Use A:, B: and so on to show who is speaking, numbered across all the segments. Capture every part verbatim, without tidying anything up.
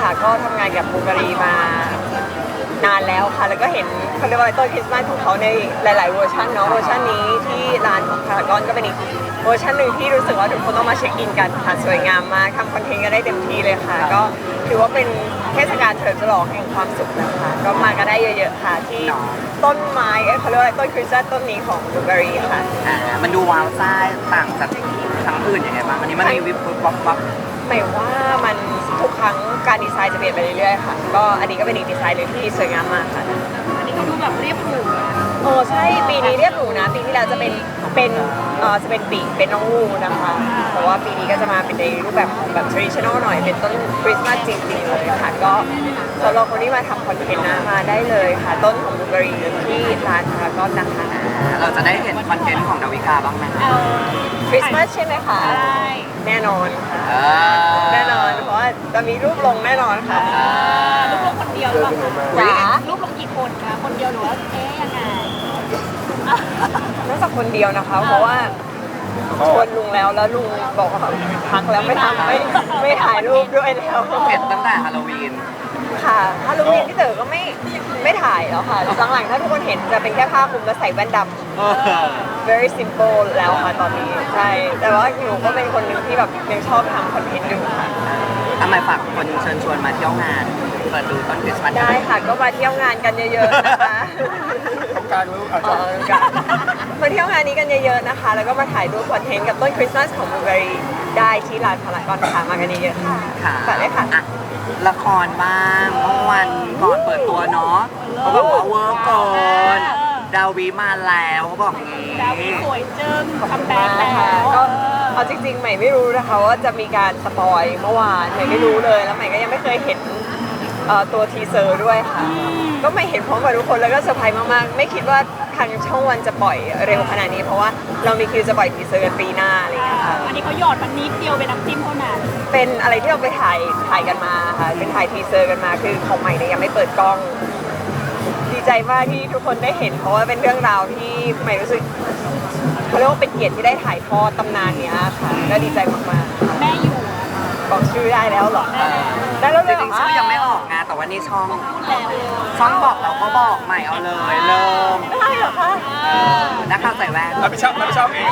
A: ค่ะก็ทำงานกับบูการีมานานแล้วค่ะแล้วก็เห็นเขาเรียกว่าต้นคริสต์มาสของเขาในหลายๆเวอร์ชันเนาะเวอร์ชันนี้ที่ร้านของพารากอนก็เป็นอีกเวอร์ชันหนึ่งที่รู้สึกว่าทุกคนต้องมาเช็คอินกันค่ะสวยงามมากทำคอนเทนต์ก็ได้เต็มที่เลยค่ะก็ถือว่าเป็นเทศกาลเฉลิมฉลองแห่งความสุขนะคะก็มากันได้เยอะๆค่ะที่ต้นไม้เขาเรียกว่าต้นคริสต์มาสต้นนี้ของบูการีค่ะ
B: อ่ามันดูว้าวซ่าต่างจากทั้งอื่นยังไงบ้างอันนี้มันมีวิบวับวับ
A: หมายว่ามันทุกครั้งการดีไซน์จะเปลี่ยนไปเรื่อยๆค่ะก็อันนี้ก็เป็นอีกดีไซน์หนึ่งที่สวยงามมากค่ะ
C: อันนี้ก็ดูแบบเรียบหรู
A: โอ้ใช่ปีนี้เรียบหรูนะปีที่แล้วจะเป็นเป็นเอ่อจะเป็นปีเป็นน้องงูนะคะแต่ว่าปีนี้ก็จะมาเป็นในรูปแบบของแบบ traditional หน่อยเป็นต้นคริสต์มาสจริงๆเลยค่ะก็สำหรับคนที่มาทำคอนเทนต์นะมาได้เลยค่ะต้นของบูการีที่ร้านพารากอนนะคะ
B: เราจะได้เห็นคอนเทนต์ของดาวิกาบ้างไหม
A: คริสต์มาสใช่ไหมคะแน่นอนค่ะแน่นอนเพราะว่าจะมีรูปลงแน่นอนค่ะ
C: รูปลงคนเดียวหรือเปล่าคะรูปลงกี่คนคะคนเดียวหรือว่าเอ๊ยยังไง
A: น่าจะคนเดียวนะคะเพราะว่าชวนลุงแล้วแล้วลุงบอกว่าพักแล้วไม่ทำไม่ไม่ถ่ายรูปด้วยแล้ว
B: เห็นตั้งแต่ฮาโลวีน
A: ค่ะฮาโลวีนที่เต๋อก็ไม่ไม่ถ่ายแล้วค่ะหลังๆถ้าทุกคนเห็นจะเป็นแค่ผ้าคลุมแล้วใส่แว่นดำ very simple แล้วค่ะตอนนี้ใช่แต่ว่าหนูก็เป็นคนหนึ่งที่แบบยังชอบทำคอนเทนต์อยู่ค่ะ
B: ทำไมฝากคนเชิญชวนมาเที่ยวงานเปิดดูต้นคริสต์มาส
A: ได้ค่ะก็มาเที่ยวงานกันเยอะๆนะคะ
D: กลางรู้อาจจะ
A: มาเที่ยวงานนี้กันเยอะๆนะคะแล้วก็มาถ่ายรูปคอนเทนต์กับต้นคริสต์มาสของบูการีได้ที่ร้านพารากอนค่ะมากันเยอะๆค่ะฝากเลยค่ะ
B: ละครบ้างเมื่อวันก่อนเปิดตัวเนาะเขาบอกว่าเวิร์กเกินดาวิมาแล้วเขาบอกงี้
C: ดาวิสวยเจิ้มคัมแบ็คแล้ว
A: ก็เอาจริงๆใหม่ไม่รู้นะคะว่าจะมีการสปอยเมื่อวานใหม่ไม่รู้เลยแล้วใหม่ก็ยังไม่เคยเห็นตัวทีเซอร์ด้วยค่ะก็ไม่เห็นพร้อมกับทุกคนแล้วก็เซอร์ไพรส์มากๆไม่คิดว่าทางช่องวันจะปล่อยเร็วขนาดนี้เพราะว่าเรามีคิวจะปล่อยทีเซอร์กันปีหน้าอะไรอย่างเงี้ยค่ะ
C: อันนี้เขาหยอดมันนิดเดียวเป็นน้ำจิ้มเท่านั้น
A: เป็นอะไรที่เราไปถ่ายถ่ายกันมาค่ะเป็นถ่ายทีเซอร์กันมาคือของใหม่เนี่ยยังไม่เปิดกล้องดีใจมากที่ทุกคนได้เห็นเพราะว่าเป็นเรื่องราวที่ใหม่รู้สึกเขาเรียกว่าเป็นเกียรติที่ได้ถ่ายทอดตำนานเนี้ยค่ะก็ดีใจมาก
C: ๆแม่อยู่
A: บอกชื่อได้แล้วหรอได้แล้ว
B: จริงๆชื่อยังไม่ออกไงแต่ว่านี่ช่องช่องบอกเราก็บอกใหม่เอาเลยเริ่ม
A: ได้เหรอคะ
B: นักข่าวใส่แว่น
D: รับผิดชอบรับผิดชอบเอง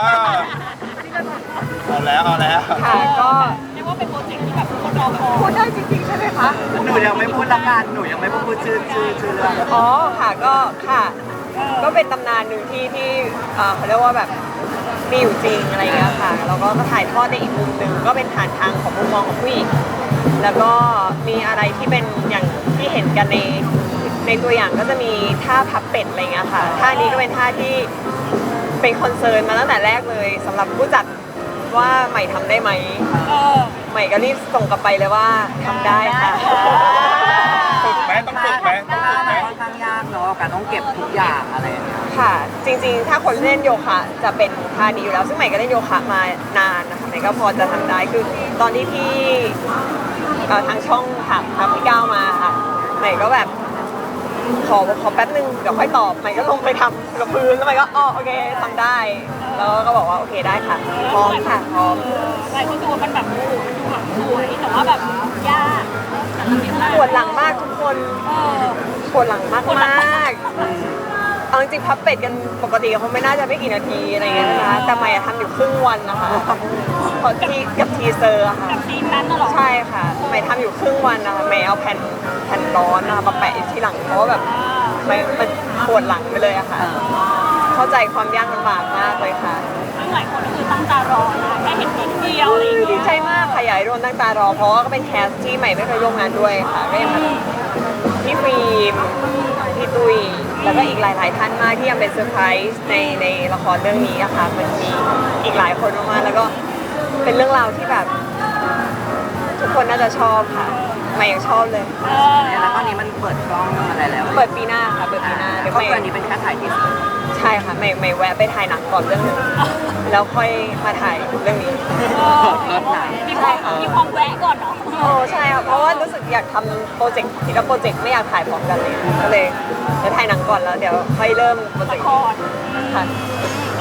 D: เอาแล้วเอาแล้ว
A: ค่ะก็
C: เรียกว่าเป็นโปรเจกต์ที่แบบคนรอคอย
A: พูดได้จริงๆใช่ไหมคะ
B: หนูยังไม่พูดละกันหนูยังไม่พูดชื่อชื่อชื่อเรื่อง
A: อ๋อค่ะก็ค่ะก็เป็นตำนานหนึ่งที่ที่เขาเรียกว่าแบบมีอยู่จริงอะไรเงี้ยค่ะแล้วก็ถ่ายทอดในอีกมุมหนึ่งก็เป็นผ่านทางของมุมมองของผู้หญิงแล้วก็มีอะไรที่เป็นอย่างที่เห็นกันในในตัวอย่างก็จะมีท่าพับเป็ดอะไรเงี้ยค่ะท่านี้ก็เป็นท่าที่เป็นคอนเซิร์นมาตั้งแต่แรกเลยสำหรับผู้จัดว่าใหม่ทำได้ไหมใหม่ก็รีบส่งกลับไปเลยว่าทำได้ค่ะ
D: ฝึกไหมต้องฝึกไหมต้องฝึกไหม
B: ค่อนข้างยากเนาะการต้องเก็บทุกอย่างอะไรอย่างเงี้ย
A: ค่ะจริงๆถ้าคนเล่นโยคะจะเป็นท่านี้อยู่แล้วซึ่งใหม่ก็เล่นโยคะมานานนะคะใหม่ก็พอจะทำได้คือตอนที่พี่ทางช่องถามทางพี่ก้าวมาค่ะใหม่ก็แบบขอขอแป๊บนึงเดี๋ยวค่อยตอบใหม่ก็ลงไปทำกับพื้นแล้วใหม่ก็อ๋อโอเคทำได้แล้วก็บอกว่าโอเคได้ค่ะพร้อมค่ะพร้อม
C: หลายคนดูมันแบบมันดูแบบสวยแต่ว่าแบบยาก
A: ปวดหลังมากทุกคนปวดหลังมากมากเอาจริงพับเป็ดกันปกติเขาไม่น่าจะไม่กี่นาทีอะไรเงี้ยนะคะแต่ใหม่ทำอยู่ครึ่งวันนะคะพอที่กับทีเซอร์ค่ะ
C: กับทีนั้นน่ะหรอ
A: ใช่ค่ะใหม่ทำอยู่ครึ่งวันนะคะใหม่เอาแผ่นแผ่นร้อนนะคะมาแปะที่หลังเพราะว่าแบบมันมันปวดหลังไปเลยอะค่ะเข้าใจความยากลำบากมากเลยค่ะ
C: หลายคนก็คือตั้งตารอนะแค่เห็นนิดเดียวอะไรอย่างเงี้ย
A: ดีใจมากค่ะอยากให้โดนตั้งตารอเพราะว่าก็เป็นแคสที่ใหม่ไม่เคยร่วมงานด้วยค่ะก็ยังพี่ฟิล์มพี่ตุ้ยแล้วก็อีกหลายๆท่านมากที่ยังเป็นเซอร์ไพรส์ในในละครเรื่องนี้อะค่ะมันมีอีกหลายคนมากๆแล้วก็เป็นเรื่องราวที่แบบทุกคนน่าจะชอบค่ะใหม่ยังชอบเลย
B: แล้วตอนนี้มันเปิดกล้องอะไรแล้ว
A: เปิดปีหน้าค่ะเปิดปีหน้า
B: เดี๋ยวก็อันนี้เป็นแค่ถ่ายทีเซอร์
A: ใช่ค่ะไม่ไม่แวะไปถ่ายหนังก่อนเรื่องนึงแล้วค่อยมาถ่ายเรื่องนี้
C: มีความมีความแวะก่อนเนาะ
A: โอ้ใช่ค่ะเพราะว่ารู้สึกอยากทำโปรเจกต์ทีละโปรเจกต์ไม่อยากถ่ายพร้อมกันเลยก็เลยจะถ่ายหนังก่อนแล้วเดี๋ยวค่อยเริ่มโปรเจกต์
C: ค่ะ
A: ค่ะ
C: ก็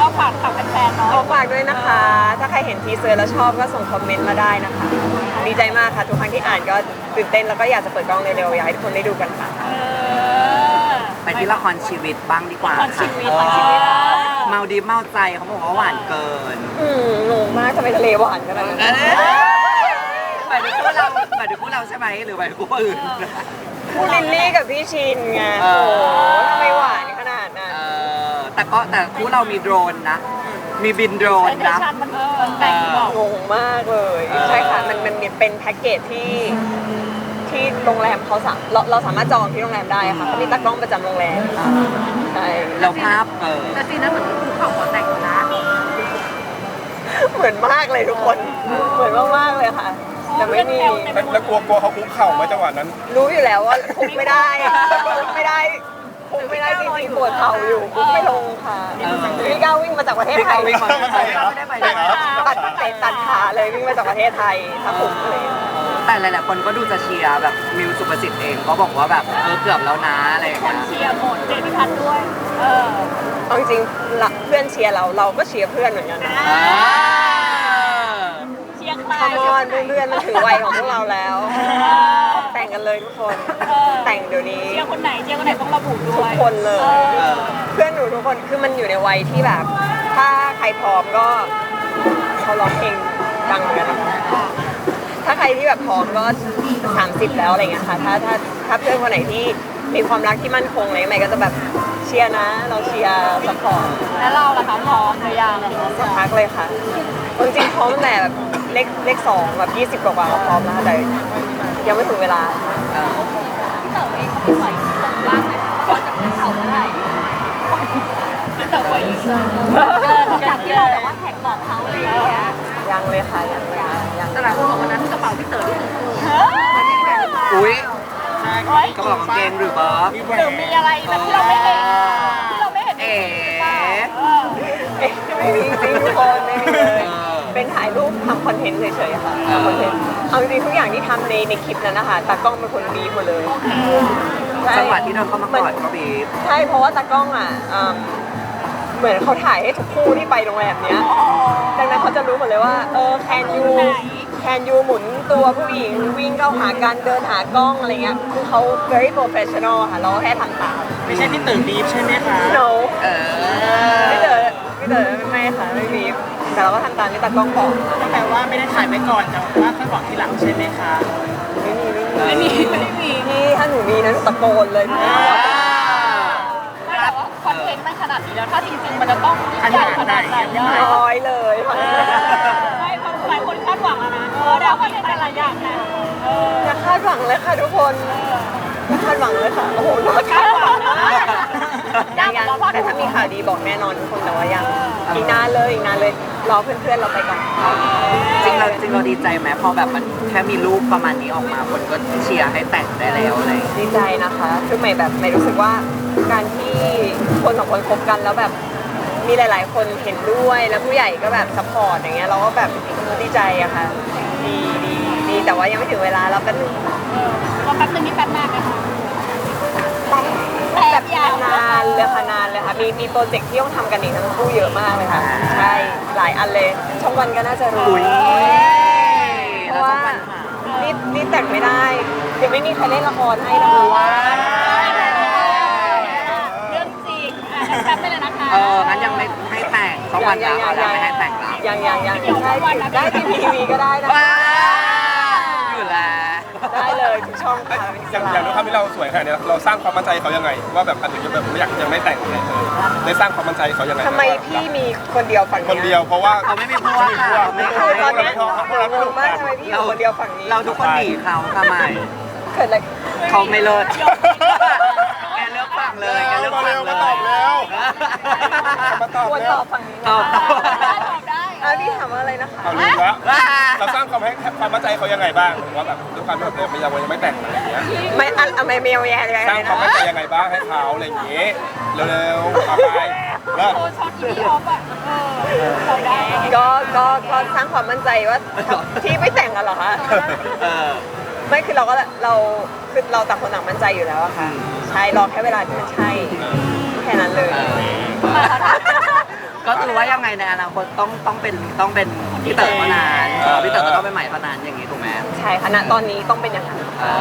C: ก็ฝากฝากแฟนๆเนาะ
A: ขอฝากด้วยนะคะ ถ้าใครเห็นทีเซอร์แล้วชอบก็ส่งคอมเมนต์มาได้นะคะ ดีใจมากค่ะ ทุกครั้งที่อ่านก็ตื่นเต้นแล้วก็อยากจะเปิดกล้องเร็วๆอยากให้ทุกคนได้ดูกันค่ะ
C: เออ
B: ไปที่ละครชีวิตบ้างดีกว่า
C: ละครชี
B: ค่ะ
C: วิตละครชีวิต
B: เมาดีเมาใจเขาบอกว่าหวานเกิน
A: อืมงงมากทำไมทะเลหวานขนาดนั้น
B: หมายถึงคู่เราหมายถึงคู่เราใช่ไหมหรือหมายถึงคู่อื่น
A: คู่ลิลลี่กับพี่ชินไง
B: เอ
A: โอ้
B: อ
A: โหทำไมหวานขนาดนั้น
B: เออแต่ก็แต่คู่เรามีโดรนนะ มีบินโดรน
C: แต่
B: นะ
C: ชันมันมันแต่งบอก
A: งงมากเลย
B: เออ
A: ใช่ค่ะ มันมันเป็นแพ็กเกจที่ที่โรงแรมเขาสามเราเราสามารถจองที่โรงแรมได้ค่ะเขามีตากล้องประจำโรงแรมใช่
B: แล้วภาพเออ
C: แต่ซีนั้นเหมือนภูเขาหัวแตกนะ
A: เหมือนมากเลยทุกคน เหมือนมากๆเลยค่ะ แต่ไม่มี
D: แล้วกลัวกลัวเขาคุกเข่าไหมจังหวะนั้น
A: รู้อยู่แล้วว่าคุกไม่ได้คุกไม่ได้คุกไม่ได้จริงๆปวดเข่าอยู่คุกไม่ลงค่ะพี่ก้าววิ่งมาจากประเทศ
B: พี่
A: ไท
B: เขา
A: ย
B: วิ่งมาไม่ได้ไป
A: ตัดตัดเตะตัดขาเลยวิ่งมาจากประเทศไทยถ้าคุกเลย
B: แต่หลายๆคนก็ดูจะเชียร์แบบมิวสุประสิทธิ์เองก็บอกว่าแบบเออเกือบแล้วนะอะไรอย่าง
C: ค
B: เงี้
C: น
B: ย
C: เชียร์หมดเจพิพัฒน์ด้วย เออ
A: เอาจริงๆละเพื่อนเชียร์เราเราก็เชียร์เพื่อนเหมือนกันนะ
B: อ่า
C: เชียร์ใคร
A: คามอนเพื่อนๆมันถึงวัยของพวกเราแล้ว แต่งกันเลยทุกคน แต่งเดี๋ยวนี้
C: เชียร์คนไหนเชียร์คนไหนต้องระบุด้
A: ทุ
C: ว
A: ก
C: ย
A: คนเลย
B: เออ
A: เพื่อนหนูทุกคนคือมันอยู่ในวัยที่แบบ ถ้าใครพร้อมก็เขาร้องเพลงดังเหมือนกันนะคะถ้าใครที่แบบพร้อมก็สามสิบแล้วอะไรเงี้ยค่ะถ้าถ้าถ้าเพื่อนคนไหนที่มีความรักที่มั่นคงอะไรใหม่ก็จะแบบเชียร์นะ เราเชียร์สปอร์ต
C: แล้วเราล่ะคะพร้อมหรือยัง
A: สักพักเลยค่ะจริงๆพร้อมตั้งแต่แบบเลขเลขสองแบบยี่สิบกว่าๆก็พร้อมแล้วแต่ยังไม่ถึงเวลา
B: เออ
C: พี่เต๋อเองเขาไม่ปล่อยส่งบ้างไหมว่าจะเป็นเขาเมื่อไหร่พี่เต๋อปล่อยเกินจากที่เราแบบว่าแท็กบอกเขาอะไรอย่างเงี้ย
A: ยังเลยค่ะยังเลยค่ะยัง
C: แต่หลายคนบอกวันนั้นกระเป๋าพี่เต๋อที่ถูกถูก
B: อุ้ย
C: เฮ้ย
B: ก็บอกกางเกงหรือเปล่า
C: หรือมีอะไรแบบที่เราไม่เห็นที่เราไม่เห็น
B: เอ๋
A: เอ๊ะไม่มีจริงทุกคนไม่มีเลย
B: เออ
A: เป็นถ่ายรูปทำคอนเทนต์เฉยๆค่ะทำคอนเทนต์เอาจริงๆทุกอย่างที่ทำในในคลิปนั้นนะคะตากล้องเป็นคนบีบหมดเลยใช่
B: จังหวะที่เดินเข้ามากอดก็บีบ
A: ใช่เพราะว่าตากล้องอ่ะอืมเหมือนเขาถ่ายให้ทุกคู่ที่ไปโรงแรมเนี้ยดังนั้นเขาจะรู้หมดเลยว่าเออแคนยูแคนยูหมุนตัวผู้หญิงวิ่งเข้าหากันเดินหากล้องอะไรเงี้ยคือเขา very professional ค่ะเราก็แค่ทำตาม
E: ไม่ใช่พี่ตื่นบีฟใช่ไหมคะ
A: no
B: เออ
A: ไม่เจอไม่เจอไม่ค่ะไม่มีแต่เราก็ทำตามที่ตากล้องบอก
E: ก็แปลว่าไม่ได้ถ่ายไว้ก่อนแต่ว่าค่อยบอกทีหลังใช่ไหมคะ
A: ไม่มีไม่มี
C: ไม่มีไม่มี
A: พี่ถ้าหนูมีนะหนูตะโกนเลยพี่
C: ไม่แต่ว่าคอนเทนต์มันขนาดนี้แล้วถ้าจริงๆมันจะต้องใหญ่ขนาดไหนได้
A: ร้อยเลย
C: ไม่เพราะหลายคนคาดหวังแล้วนะเออเดี๋ยวคอนเทนต์แต่ละอย่างนะเออ
A: อย่าคาดหวังเลยค่ะทุกคนอย่าคาดหวังเลยค่ะโอ้โหน่าคาดหวังนะยังยังแต่ถ้ามีข่าวดีบอกแน่นอนทุกคนแต่ว่ายังอีกนานเลยอีกนานเลยรอเพื่อนๆเราไปก่อน
B: จริงเราจริงเราดีใจไหมพอแบบมันแค่มีรูปประมาณนี้ออกมาคนก็เชียร์ให้แต่งได้แล้วอะไรอย่างเงี้ย
A: ดีใจนะคะคือใหม่แบบใหม่รู้สึกว่าการที่คนสองคนคบกันแล้วแบบมีหลาย ๆ คนเห็นด้วยแล้วผู้ใหญ่ก็แบบซัพพอร์ตอย่างเงี้ยเราก็แบบดีใจอะค่ะดีดีดีแต่ว่ายังไม่ถึงเวลาแล้วแป๊บนึง
C: รอแป๊บนึงนี่แป๊บมากเลยค่ะ
A: แบบนานเลยค่ะนานเลยค่ะมีมีโปรเจกต์ที่ต้องทำกันอีกทั้งคู่เยอะมากเลยค่ะใช่หลายอันเลยช่องวันก็น่าจะรู้
B: อุ้ย
A: เพราะว่านี่นี่แต่งไม่ได้ยังไม่มีใครเล่นละครให้นะคะ
C: เรื่องจริงอ่ะงั้นแป๊บไปเลยนะคะ
B: เอองั้นยังไม่ให้แต่งสักวันแล้วเราไม่ให้แต่งแล้ว
A: ยังยังยังใช่ได้ที่ทีวีก็ได้นะ
B: ว้าอยู่แล้ว
A: ได้เลยทุกช่องค่ะเป็นอิส
D: อย่าง
A: ระ
D: อย่างด้วยความที่เราสวยขนาดนี้เราสร้างความมั่นใจเขายังไง ว่าแบบอันนี้แบบไม่อยากจะไม่แต่งเลยได้สร้างความมั่นใจเขายังไง
A: ทำไมพี่มีคนเดียวฝั่ง
D: คนเดียวเพราะว่า
B: เขาไม่มีพวกค่ะไม่
A: คือตอนเนี้ย
D: พวกเราไม่
A: ง
D: ถู
A: ง
D: ก
A: มากทำไมพี่อยู่คนเดียวฝั่งนี้
B: เราทุกคนหนีเขาค่ะไม่
A: เกิดอะไร
B: เขาไม่เลิศแกเลือกฝั่งเลยแกเลือก
D: มา
B: ฝั่
D: เร็
B: ง
D: ว
B: เล
D: มาย ตอบแล้วมาตอบ
A: ควร
D: แล้
A: ต
D: ว
A: อบฝั่งนี้
B: ตอบตอบ
C: ตอบได้
A: อ่ะพี่ถามว่าอะไรนะคะ
D: เอาลืมแล้วเราสร้างความให้ความมั่นใจเขายังไงบ้างว่าแบบด้วยความที่แบบเรายังไม่แต่งอะไรอย่างเงี้ย
A: ไม่อันอะไม่เมลแย่เลย
D: สร้างความมั่นใจยังไงบ้างให้เขาอะไรอย่างเงี้ยเร็วๆเอาไปเลิก
C: โอ้ช็อตอีพีออฟอ่ะเออตอบได้
A: ก็ก็ก็สร้างความมั่นใจว่าที่ไม่แต่งกันเหรอคะ
B: เออ
A: ไม่คือเราก็เราคือเราต่างคนต่างมั่นใจอยู่แล้วอะค่ะใช่รอแค่เวลาที่มันใช่แค่นั้นเลย
B: ก็คือว่าว่ายังไงในอนาคตต้องต้องเป็นต้องเป็นพี่เต๋อเท่านั้นเออพี่เต๋อก็ต้องเป็นใหม่เท่านั้นอย่างนี้ถูกไหม
A: ใช่ค่ะณตอนนี้ต้องเป็นอย่างนั้น
B: เอ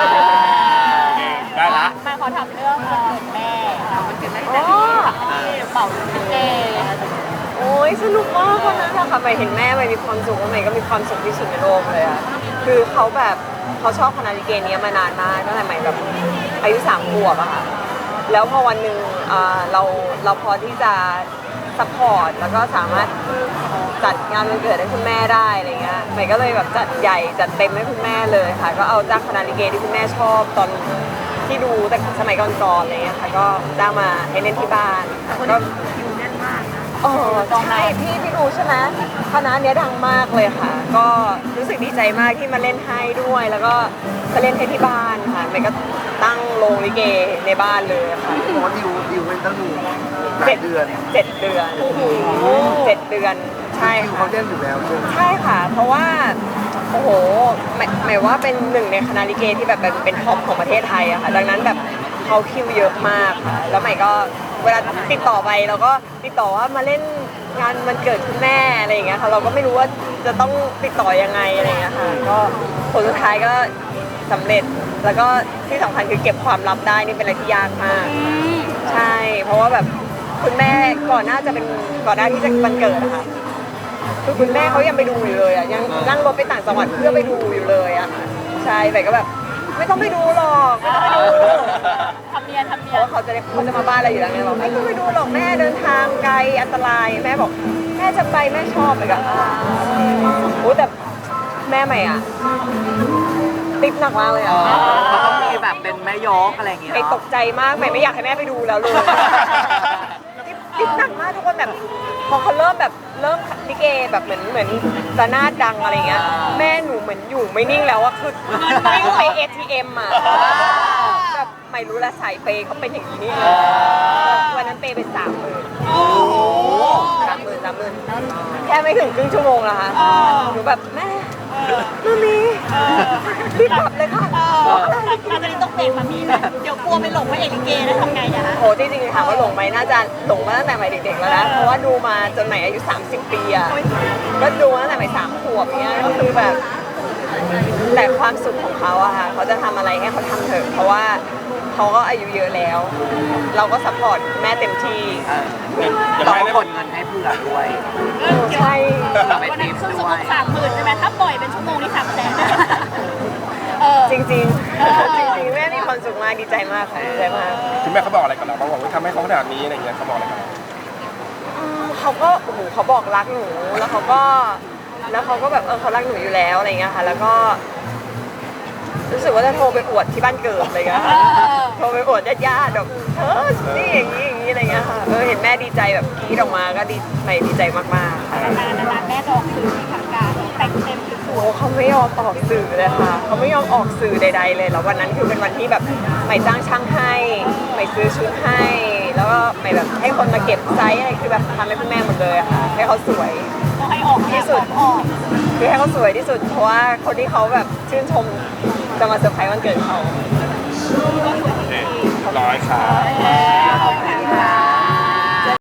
D: ได้ละ
C: มาขอถามเรื่องวันเกิดแม่วันเกิดแม่
A: อ๋อ
C: เป่าเจ
A: โอ้ยสนุกมากวันนั้นอะค่ะใหม่เห็นแม่ใหม่มีความสุขแล้วใหม่ก็มีความสุขที่สุดในโลกเลยอะคือเขาแบบเขาชอบคณะลิเกเนี้ยมานานมากตั้งแต่ใหม่แบบอายุสามขวบอะค่ะแล้วพอวันหนึ่งอ่าเราเราพอที่จะซัพพอร์ตแล้วก็สามารถจัดงานวันเกิดให้คุณแม่ได้อะไรเงี้ยใหม่ก็เลยแบบจัดใหญ่จัดเต็มให้คุณแม่เลยค่ะก็เอาจ้างคณะลิเกที่คุณแม่ชอบตอนที่ดูแต่สมัยก่อนๆอะไรเงี้ยค่ะก็จ้างมาให้เล่นที่บ้านก็อ๋อใช่พี่พี่รู้ใช่ไหมคณะเนี้ยดังมากเลยค่ะ ก็รู้สึกดีใจมากที่มาเล่นให้ด้วย แล้วก็มาเล่นให้ที่บ้านค่ะใหม่ก็ตั้งโรงลิเกในบ้านเลยค่ะ
F: หมอดิวดิวเป็นตั้งหนึ่งหลา
A: เจ็
F: ย
A: ด
F: เดือน
A: เจ็ดเดือนเจ็ดเดือนใช่
F: ดิว
A: ค่ะ
F: เขาเล่นอยู่แล้วใช่ไหม
A: ใช่ค่ะ เพราะว่าโอ้โหหมายหมายว่าเป็นหนึ่งในคณะลิเกที่แบบเป็นเป็นท็อปของประเทศไทยอะค่ะดังนั้นแบบเขาคิวเยอะมากค่ะแล้วใหม่ก็เวลาติดต่อไปเราก็ติดต่อว่ามาเล่นงานวันเกิดคุณแม่อะไรอย่างเงี้ยค่ะเราก็ไม่รู้ว่าจะต้องติดต่อยังไงอะไรอย่างเงี้ยค่ะก็ผลสุดท้ายก็สำเร็จแล้วก็ที่สำคัญคือเก็บความลับได้นี่เป็นอะไรที่ยากมาก ใช่ เพราะว่าแบบคุณแม่ก่อนหน้าจะเป็นก่อนหน้าที่จะวันเกิดอะค่ะคือคุณแม่เขายังไปดูอยู่เลยอะยังนั่งรถไปต่างจังหวัดเพื่อไปดูอยู่เลยอะใช่แต่ก็แบบไม่ต้องไปดูหรอกไม่ต้องไปดู
C: ทำเนียนทำ
A: เพ
C: เนีย
A: ราะ
C: น
A: ว่าเขาจะได้เขาจะมาบ้านเราอยู่แล้วไงบอกไม่ต้องไปดูหรอกแม่เดินทางไกลอันตรายแม่บอกแม่จะไปแม่ชอบไปก็อ่าโอ้แต่แม่ใหม่อะติดหนักมากเลยอะ
B: เขาต้องมีแบบเป็นแม่ยกอะไรอย่างเงี้ย
A: ใหม่ต
B: เนาะ
A: กใจมากใหม่ไม่อยากให้แม่ไปดูแล้วเลย ติดหนักมากทุกคนแบบพอเขาเริ่มแบบเริ่มลิเกแบบเหมือนเหมือนระนาดดังอะไรเงี้ยแม่หนูเหมือนอยู่ไม่นิ่งแล้วอะคือวิ่งไป เอ ที เอ็ม อะแบบไม่รู้ละสายเปย์เขาเป็นอย่างนี้นี่เองวันนั้นเปย์ไปสามหมื่นสามหมื่นสามหมื่นแค่ไม่ถึงครึ่งชั่วโมงละค่ะหนูแบบแม่มามีรีบกลับเลยค่ะ
C: ตอนนี้ต้องเบรกมามีไหมเดี๋ยวกลัวไปหลงว่าเอกลิเกแล้วทำไงอะคะ
A: โหจริงๆถามว่าหลงไหมน่าจะหลงมาตั้งแต่ใหม่เด็กๆแล้วนะเพราะว่าดูมาจนใหม่อายุสามสิบปีอะก็ดูมาตั้งแต่ใหม่สามขวบเนี้ยก็คือแบบแต่ความสุขของเขาอะค่ะเขาจะทำอะไรให้เขาทำเถอะเพราะว่าเขาก็อายุเยอะแล้ว เราก็ซัพพอร์ตแม่เต็มที่
B: เออ
D: อย่า
B: เรา
D: ไป
B: ก็
D: ได้
B: กดเงินให้เผื่อด้วย
A: ใช่
B: เราไป
C: วัน
B: ทิ
C: นั้น
B: ป
C: ครึ่ง
B: ด้
C: ชั่ว
B: ว
C: โมง
B: ย
C: สามหมื่นใช่ไหมถ้าปล่อยเป็นชั่วโมงนี่สามแสนเออ
A: จริงๆจริงๆแม่มีความสุขมากดีใจมากค่ะดีใจมาก
D: คุณแม่เขาบอกอะไรกับเราบ้างบอกว่าทำให้เขาขนาดนี้อะไรเงี้ยเขาบอกอะไรกับเรา
A: อืมเขาก็โอ้โหเขาบอกรักหนูแล้วเขาก็แล้วเขาก็แบบเออเขารักหนูอยู่แล้วอะไรเงี้ยค่ะแล้วก็รู้สึกว่าจะโทรไปอวดที่บ้านเกิดอะไรเงี้ยค่ะโทรไปอวดญาติๆแบบเธอนี่อย่างนี้อย่างนี้อะไรเงี้ยค่ะเออเห็นแม่ดีใจแบบกรี๊ดออกมาก็ดีใหม่ดีใจมากๆค่ะ
C: นานนานแม่จะออกสื่อทางการแต่งเต็มส
A: โอ้
C: วย
A: เขาไม่ยอมออกสื่อเลยค่ะเขาไม่ยอมออกสื่อใด ๆ เลยแล้ววันนั้นคือเป็นวันที่แบบใหม่จ้างช่างให้ใหม่ซื้อชุดให้ แล้วก็ใหม่แบบให้คนมาเก็บไซส์อะไรคือแบบทำให้คุณแม่หมดเลยอะค่ะให้เขาสวย
C: ๆก็ให้ออกที่สุดออก
A: คือให้เขาสวยที่สุดเพราะว่าคนที่เขาแบบชื่นชมจะมาเซอร์ไพรส์วันเกิดเขา
D: โอเคร้อยครับ
C: ขอบคุณค่ะ